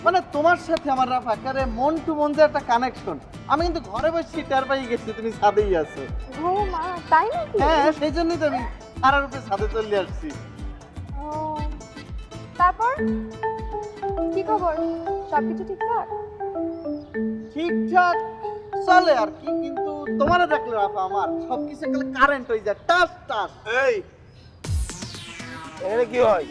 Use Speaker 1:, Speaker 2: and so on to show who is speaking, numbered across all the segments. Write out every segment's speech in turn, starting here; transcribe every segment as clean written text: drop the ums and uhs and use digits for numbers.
Speaker 1: মানে তোমার সাথে আমার রাফাকারে মন টু মন যে একটা কানেকশন, আমি কিন্তু ঘরে বসে টের পাই গেছি তুমি ছাদেই আছো।
Speaker 2: ও মা, তাই নাকি?
Speaker 1: হ্যাঁ, সেই জন্যই তো আমি সারার উপরে ছাদে চলে আসছি।
Speaker 2: ও, তারপর কি খবর? সবকিছু ঠিকঠাক?
Speaker 1: ঠিকঠাক চলে আর কি, কিন্তু তোমারে দেখলে রাফা আমার সবকিছু একেবারে কারেন্ট হয়ে যায়, টাস টাস।
Speaker 3: এই এখানে কি হয়?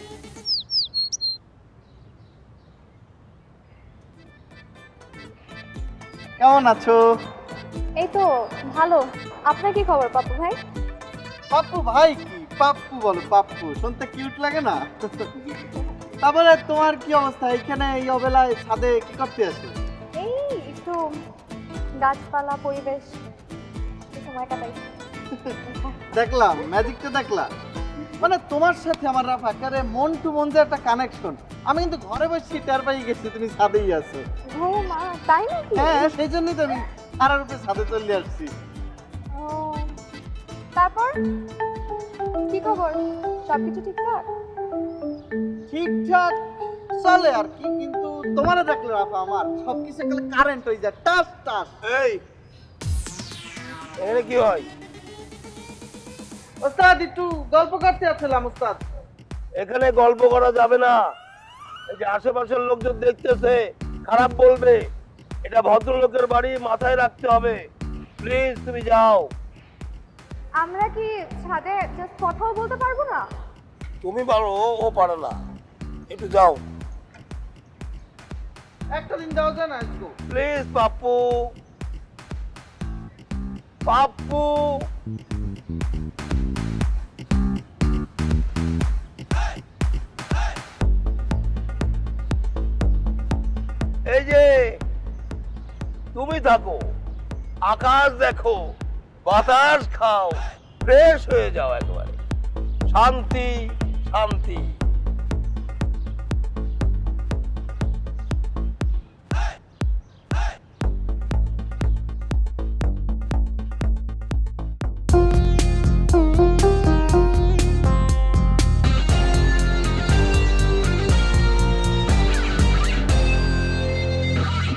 Speaker 1: কেমন আছো?
Speaker 2: এই তো ভালো। আপনার কি খবর পাপ্পু ভাই?
Speaker 1: পাপ্পু ভাই কি পাপ্পু বলো, পাপ্পু শুনতে কিউট লাগে না? তারপরে তোমার কি অবস্থা এখানে এই অবেলায় ছাদে কি করতে আছো?
Speaker 2: এই একটু গাছপালা পরিবেশ একটু সময় কাটাই।
Speaker 1: দেখলাম ম্যাজিকটা দেখলাম। মানে তোমার সাথে আমার রাফাকারে মন টু মন যে একটা কানেকশন, আমি কিন্তু ঘরে বসে টের পাই গেছি তুমি ছাদেই আছো।
Speaker 2: ও মা, তাই নাকি?
Speaker 1: হ্যাঁ, সেই জন্যই তো আমি সারার উপরে ছাদে চলে আসছি।
Speaker 2: ও, তারপর কি খবর? সবকিছু ঠিকঠাক?
Speaker 1: ঠিকঠাক চলে আর কি, কিন্তু তোমারে দেখলে রাফা আমার সবকিছু একেবারে কারেন্ট হয়ে যায়, টাস টাস।
Speaker 3: এই এখানে কি হয়?
Speaker 1: ওস্তাদ একটু গল্প করতে আসছিলাম ওস্তাদ।
Speaker 3: এখানে গল্প করা যাবে না। এই যে আশেপাশের লোকজন দেখতেছে, খারাপ বলবে। এটা ভদ্রলোকের বাড়ি, মাথায় রাখতে হবে। প্লিজ তুমি যাও।
Speaker 2: আমরা কি ছাদে জাস্ট কথাও বলতে পারবো না?
Speaker 3: তুমি পারো, ও পারে না। একটু যাও
Speaker 1: একটা দিন যাওয়া যায় না আজকে?
Speaker 3: প্লিজ। পাপ্পু, পাপ্পু। এই যে তুমি থাকো, আকাশ দেখো, বাতাস খাও, ফ্রেশ হয়ে যাও একেবারে। শান্তি শান্তি।